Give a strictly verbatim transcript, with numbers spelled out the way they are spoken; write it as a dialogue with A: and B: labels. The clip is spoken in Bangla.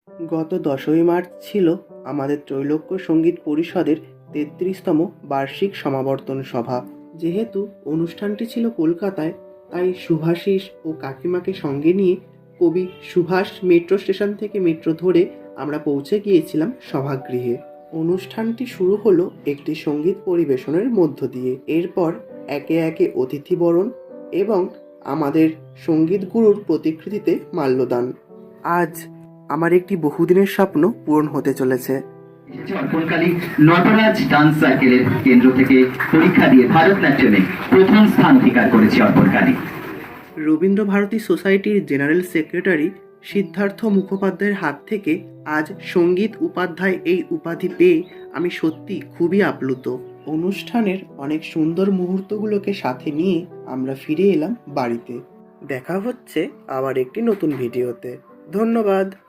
A: গত দশই মার্চ ছিল আমাদের ত্রৈলোক্য সঙ্গীত পরিষদের তেত্রিশতম বার্ষিক সমাবর্তন সভা। যেহেতু অনুষ্ঠানটি ছিল কলকাতায়, তাই শুভাশিস ও কাকিমাকে সঙ্গে নিয়ে কবি সুভাষ মেট্রো স্টেশন থেকে মেট্রো ধরে আমরা পৌঁছে গিয়েছিলাম সভাগৃহে। অনুষ্ঠানটি শুরু হলো একটি সঙ্গীত পরিবেশনের মধ্য দিয়ে। এরপর একে একে অতিথিবরণ এবং আমাদের সঙ্গীত গুরুর প্রতিকৃতিতে মাল্যদান। আজ আমার একটি বহুদিনের স্বপ্ন পূরণ হতে চলেছে।
B: অর্পণকালী নটরাজ ডান্স সার্কেলের কেন্দ্র থেকে পরীক্ষা দিয়ে ভারতনাট্যমে প্রথম স্থান অধিকার করেছে অর্পণকালী।
A: রবীন্দ্র ভারতী সোসাইটির জেনারেল সেক্রেটারি সিদ্ধার্থ মুখোপাধ্যায়ের হাত থেকে আজ সঙ্গীত উপাধ্যায় এই উপাধি পেয়ে আমি সত্যি খুবই আপ্লুত। অনুষ্ঠানের অনেক সুন্দর মুহূর্তগুলোকে সাথে নিয়ে আমরা ফিরে এলাম বাড়িতে। দেখা হচ্ছে আবার একটি নতুন ভিডিওতে। ধন্যবাদ।